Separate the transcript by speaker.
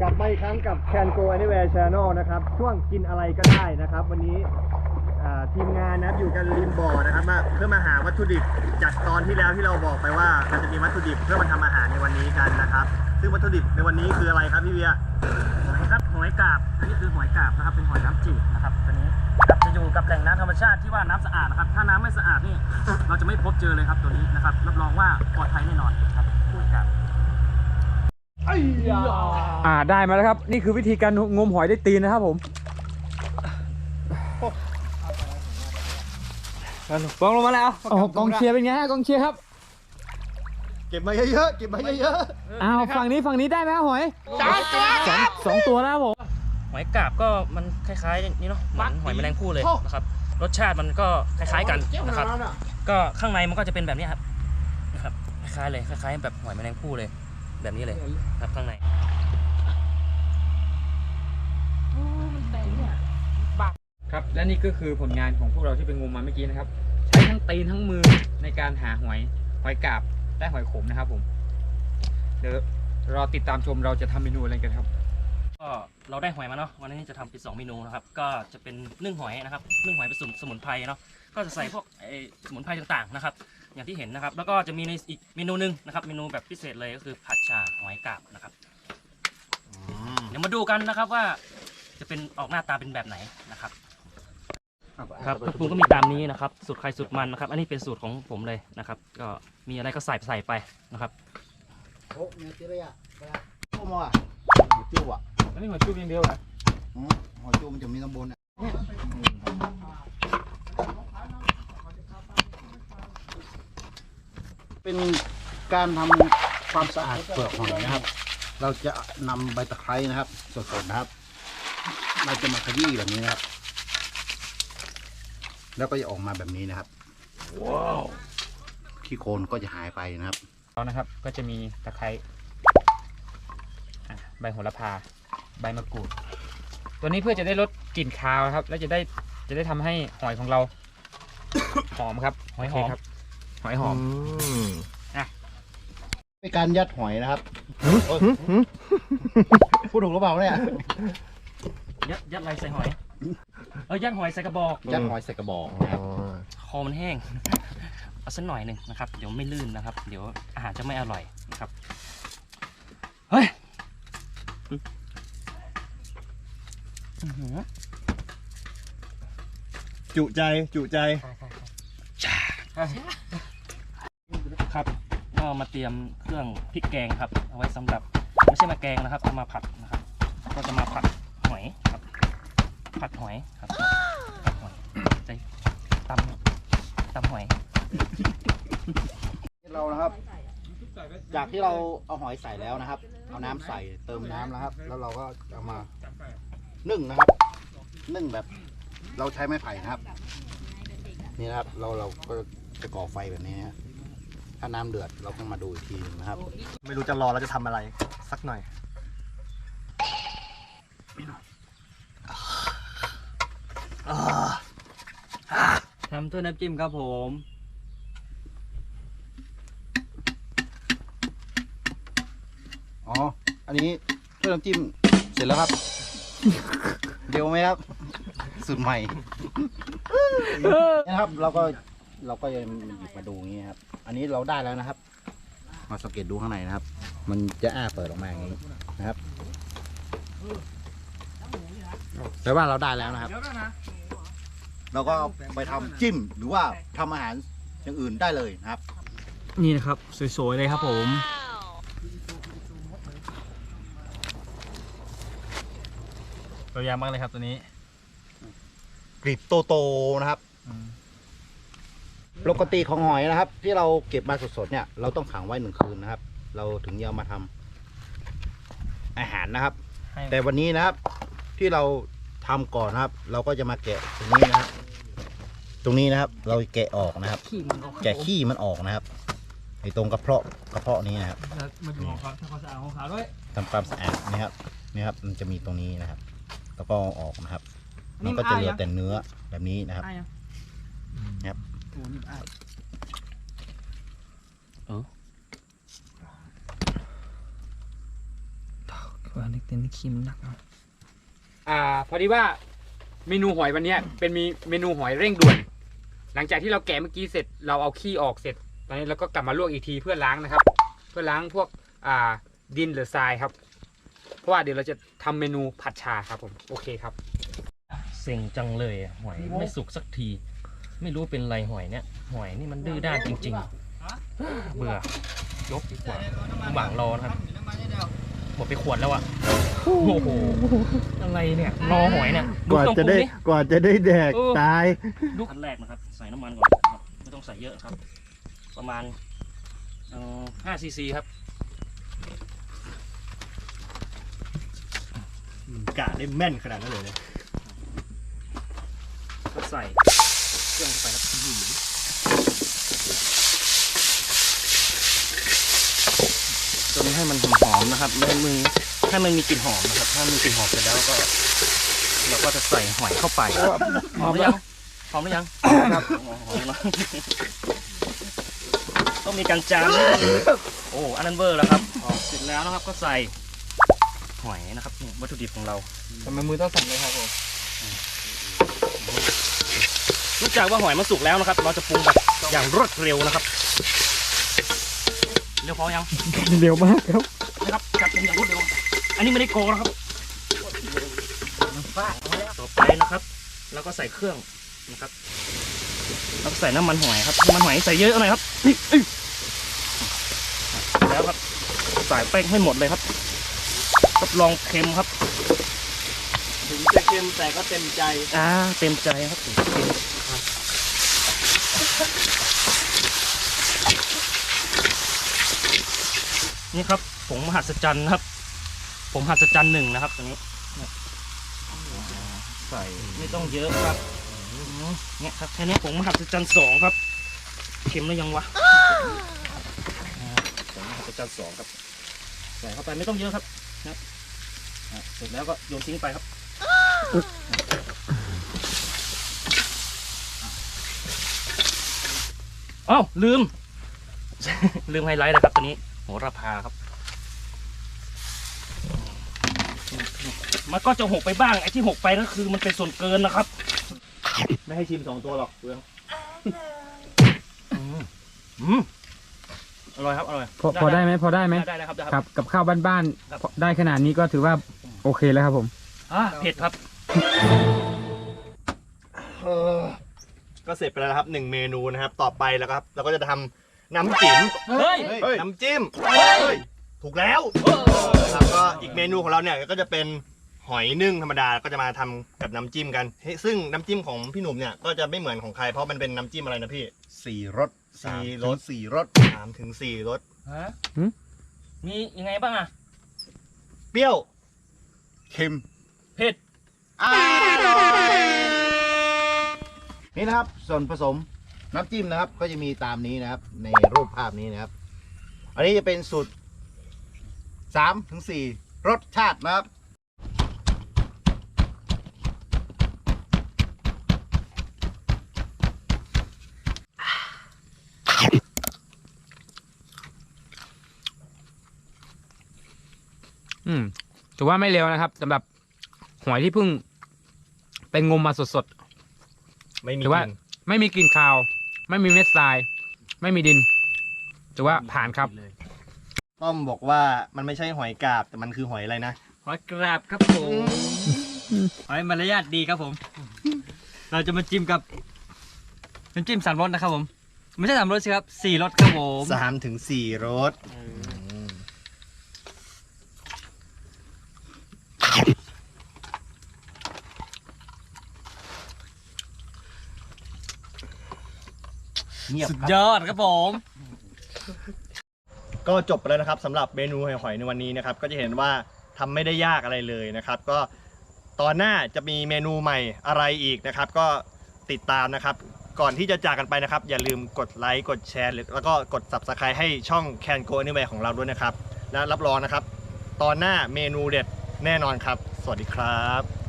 Speaker 1: กลับมาอีกครั้งกับ Can Go Anywhere Channel นะครับช่วงกินอะไรก็ได้นะครับวันนี้ทีมงานนะอยู่กันริมบ่อนะครับเพื่อมาหาวัตถุดิบจากตอนที่แล้วที่เราบอกไปว่าเราจะมีวัตถุดิบเพื่อมาทำอาหารในวันนี้กันนะครับซึ่งวัตถุดิบในวันนี้คืออะไรครับพี่เวีย
Speaker 2: หอยครับหอยกาบอันนี้คือหอยกาบนะครับเป็นหอยน้ำจืดนะครับตัวนี้จะอยู่กับแหล่งน้ำธรรมชาติที่ว่าน้ำสะอาดนะครับถ้าน้ำไม่สะอาดนี่เราจะไม่พบเจอเลยครับตัวนี้นะครับรับรองว่าปลอดภัยแน่นอนครับหอยกาบ
Speaker 3: ได้มาแล้วครับนี่คือวิธีการงมหอยด้วยตีนนะครับผมกองลงมาแล้วกองเชียร์เป็นไงฮะกองเชียร์ครับ
Speaker 1: เก็บมาเยอะๆเก็บมาเยอะ
Speaker 3: ๆฝั่งนี้ได้ไหมครับหอยสองตัวแล้วผม
Speaker 2: หอยกาบก็มันคล้ายๆนี่เนาะเหมือนหอยแมลงภู่เลยนะครับรสชาติมันก็คล้ายๆกันนะครับก็ข้างในมันก็จะเป็นแบบนี้ครับนะครับคล้ายๆเลยคล้ายๆแบบหอยแมลงภู่เลยแบบนี้เลยครับข้างใน
Speaker 3: ครับและนี่ก็คือผลงานของพวกเราที่ไปงมมาเมื่อกี้นะครับใช้ทั้งตีนทั้งมือในการหาหอยกาบและหอยขมนะครับผมเดี๋ยวรอติดตามชมเราจะทำเมนูอะไรกันครับ
Speaker 2: ก็เราได้หอยมาเนาะวันนี้จะทำเป็น2เมนูนะครับก็จะเป็นนึ่งหอยนะครับนึ่งหอยเป็นสมุนไพรเนาะก็จะใส่พวกสมุนไพรต่างๆนะครับอย่างที่เห็นนะครับแล้วก็จะมีในอีกเมนูนึงนะครับเมนูแบบพิเศษเลยก็คือผัดชาหอยกาบนะครับเดี๋ยวมาดูกันนะครับว่าจะเป็นออกหน้าตาเป็นแบบไหนนะครับครับปรุงก็มีตามนี้นะครับสูตรใครสูตรมันนะครับอันนี้เป็นสูตรของผมเลยนะครับก็มีอะไรก็ใส่ไปนะครับ
Speaker 1: โอ้เนื้อตีเลยอ่ะโอ้มาหอยจุ๊บอ่ะ
Speaker 3: อันนี้หอยจุ๊บอย่างเดียวเหรอ
Speaker 1: หอยจุ๊บมันจะมีข้างบนอ่ะเป็นการทำความสะอาดเปลือกหอยนะครับเราจะนำใบตะไคร้นะครับสดๆนะครับเราจะมาขยี้แบบนี้นะครับแล้วก็จะออกมาแบบนี้นะครับว้าวขี้โคลนก็จะหายไปนะครับ
Speaker 3: แล้วนะครับก็จะมีตะไคร้ใบโหระพาใบมะกรูดตัวนี้เพื่อจะได้ลดกลิ่นคาวครับแล้วจะได้ทำให้หอยของเรา หอมครับหอยหอมครับหอยหอม
Speaker 1: เป็นการยัดหอยนะครับพูดถูกหรือเปล่าเนี่ย
Speaker 2: ยัดอะไรใส่หอยยัดหอยใส่กระบอก
Speaker 1: ยัดหอยใส่กระบอกนะครับ
Speaker 2: คอมันแห้งเอาสักหน่อยหนึ่งนะครับเดี๋ยวไม่ลื่นนะครับเดี๋ยวอาหารจะไม่อร่อยนะครับเฮ้ย
Speaker 1: จุใจ
Speaker 2: ครับก็มาเตรียมเครื่องพริกแกงครับเอาไว้สำหรับไม่ใช่มาแกงนะครับเอามาผัดนะครับก็จะมาผัดหอยครับผัดหอยครับผัดหอยใจตำหอย
Speaker 1: เรานะครับจากที่เราเอาหอยใส่แล้วนะครับเอาน้ำใส่เติมน้ำนะครับ แล้วเราก็เอามานึ่งนะครับนึ่งแบบเราใช้ไม้ไผ่นะครับนี่นะครับเราก็จะก่อไฟแบบนี้นะถ้าน้ำเดือดเราต้องมาดูอีกทีนะครับไม่รู้จะรอเราจะทำอะไรสักหน่อย
Speaker 3: ทำถ้วยน้ำจิ้มครับผม
Speaker 1: อันนี้ถ้วยน้ำจิ้มเสร็จแล้วครับเดี๋ยวไหมครับสูตรใหม่นะครับเราก็จะหยิบมาดูอย่างนี้ครับอันนี้เราได้แล้วนะครับมาสังเกตดูข้างในนะครับ มันจะเปิดออกมาอย่างนี้นะครับแปลว่าเราได้แล้วนะครับเราก็ไปทำจิ้มหรือว่าทำอาหารอย่างอื่นได้เลยนะครับ
Speaker 3: นี่นะครับสวยๆเลยครับผมตัวยาวมากเลยครับตัวนี้
Speaker 1: กรีบโตๆนะครับปกติของหอยนะครับที่เราเก็บมาสดๆเนี่ยเราต้องขังไว้1 คืนนะครับเราถึงจะเอามาทำอาหารนะครับแต่วันนี้นะครับที่เราทำก่อนนะครับเราก็จะมาแกะตรงนี้นะครับตรงนี้นะครับเราแกะออกนะครับแกะขี้มันออกนะครับไอ้ตรงกระเพาะนี้นะครับ
Speaker 3: มาดูของเขาทำความสะอาดของเขาด้วย
Speaker 1: ทำความสะอาดนี่ครับมันจะมีตรงนี้นะครับแล้วก็ออกนะครับมันก็จะเหลือแต่เนื้อแบบนี้นะครับครับ
Speaker 4: ว่าเล็กแต่นี่ขี้มันหนัก
Speaker 3: พอดีว่าเมนูหอยวันเนี้ยเป็นเมนูหอยเร่งด่วน หลังจากที่เราแกะเมื่อกี้เสร็จเราเอาขี้ออกเสร็จตอนนี้เราก็กลับมาลวกอีกทีเพื่อล้างนะครับ เพื่อล้างพวกดินหรือทรายครับ เพราะว่าเดี๋ยวเราจะทำเมนูผัดชาครับผมโอเคครับ
Speaker 2: เซ็งจังเลยอะหอยไม่สุกสักที ไม่รู้เป็นไรหอยเนี่ยหอยนี่มันดื้อด้านจริงๆเบื่อยกดีกว่าหวังรอนะครับหมดไปขวดแล้วอะโอ้โหอะไรเนี่ยรอหอยเนี่ยดู
Speaker 5: กว่า
Speaker 2: ต้องป
Speaker 5: จะ
Speaker 2: รุง
Speaker 5: ได้
Speaker 2: ดิ
Speaker 5: กว่าจะได้แดก
Speaker 2: เออ
Speaker 5: ตาย
Speaker 2: ดูขั้นแรกนะครับใส่น้ำมันก่อนนะครับไม่ต้องใส่เยอะครับ ประมาณ5 ซีซีครับ
Speaker 5: กะได้แม่นขนาดนั้นเลย
Speaker 2: ก็ใส่เครื่องไปครับจนให้มันหอมๆนะครับไม่ให้มันมีกลิ่นหอมนะครับถ้ามีกลิ่นหอมเสร็จแล้วก็เราก็จะใส่หอยเข้าไปหอมหรือยังหอมหรือยังครับหอมแล้วต้องมีการจานโอ้อันนั้นเวอร์แล้วครับเสร็จแล้วนะครับก็ใส่หอยนะครับนี่วัตถุดิบของเรา
Speaker 3: ทำไมมือต้องสั่นเลยครับผม
Speaker 2: รู้จักว่าหอยมันสุกแล้วนะครับ เราจะปรุงแบบอย่างรวดเร็วนะครับเร็วพอยัง
Speaker 5: เร็วมากครับ
Speaker 2: นะครับจัดปรุงอย่างรวดเร็วอันนี้ไม่ได้โกงนะครับต่อไปนะครับแล้วก็ใส่เครื่องนะครับแล้วก็ใส่น้ำมันหอยครับน้ำมันหอยใส่เยอะหน่อยครับแล้วครับใส่แป้งให้หมดเลยครับรับรองเค็มครับ
Speaker 5: ถึงจะเค็มแต่ก็เต็มใจ
Speaker 2: เต็มใจครับนี่ครับผงมหัศจรรย์ครับผงมหัศจรรย์1นะครับตัวนี้ใส่ไม่ต้องเยอะครับเนี่ยครับแค่นี้ผงมหัศจรรย์2ครับเค็มแล้วยังวะผงมหัศจรรย์2ครับใส่เข้าไปไม่ต้องเยอะครับนะเสร็จแล้วก็โยนทิ้งไปครับอ้าวลืม ลืมไฮไลท์นะครับตัวนี้โหระพาครับมันก็จะหกไปบ้างไอ้ที่หกไปนั่นคือมันเป็นส่วนเกินนะครับไม่ให้ชิม2 ตัวหรอกเปลืองอร่อยครับอร่อย
Speaker 3: พอได้ไหมพอได้ไหม
Speaker 2: ได้ครับได้
Speaker 3: ครับกับข้าวบ้าน
Speaker 2: ครับ
Speaker 3: ๆได้ขนาดนี้ก็ถือว่าโอเคแล้วครับผม
Speaker 2: เผ็ดครับ
Speaker 5: ก็เสร็จไปแล้วนะครับ1เมนูนะครับต่อไปแล้วครับเราก็จะทำน้ำจิ้ม
Speaker 2: เฮ้ย
Speaker 5: น้ำจิ้มถูกแล้วแล้วก็อีกเมนูของเราเนี่ยก็จะเป็นหอยนึ่งธรรมดาก็จะมาทำกับน้ำจิ้มกันซึ่งน้ำจิ้มของพี่หนุ่มเนี่ยก็จะไม่เหมือนของใครเพราะมันเป็นน้ำจิ้มอะไรนะพี่
Speaker 1: 4 รส
Speaker 5: 4 รส
Speaker 1: 4 รส
Speaker 5: 3 ถึง 4 รส
Speaker 2: ฮะมียังไงบ้างอะ
Speaker 5: เปรี้ยว
Speaker 1: เค็ม
Speaker 2: เผ็ด
Speaker 1: นี่นะครับส่วนผสมน้ำจิ้มนะครับ ก็จะมีตามนี้นะครับ ในรูปภาพนี้นะครับ อันนี้จะเป็นสูตร3 ถึง 4 รสชาตินะครับ
Speaker 3: ถือว่าไม่เร็วนะครับสำหรับหอยที่เพิ่งไปงมมาสด
Speaker 5: ไม่มี
Speaker 3: ถือว่า
Speaker 5: กลิ่น
Speaker 3: ๆไม่มีกลิ่นคาว ไม่มีเม็ดทราย ไม่มีดินถือว่าผ่านครับ
Speaker 5: ต้อมบอกว่ามันไม่ใช่หอยกาบแต่มันคือหอยอะไรนะ
Speaker 4: หอยกราบครับผมหอยมารยาทดีครับผม เราจะมาจิ้มกับน้ำจิ้ม3 รสนะครับผม ไม่ใช่3 รสสิครับ4 รสครับผม
Speaker 5: 3 ถึง 4 รสเงียบ
Speaker 4: สุด
Speaker 5: ครับ
Speaker 4: ยอดครับผม
Speaker 5: ก็จบไปแล้วนะครับสำหรับเมนูหอยในวันนี้นะครับก็จะเห็นว่าทำไม่ได้ยากอะไรเลยนะครับ ก็ตอนหน้าจะมีเมนูใหม่อะไรอีกนะครับ ก็ติดตามนะครับ ก่อนที่จะจากกันไปนะครับ อย่าลืมกดไลค์กดแชร์แล้วก็กด Subscribe ให้ช่อง Can Go Anywhere ของเราด้วยนะครับและรับรองนะครับ ตอนหน้าเมนูเด็ดแน่นอนครับ สวัสดีครับ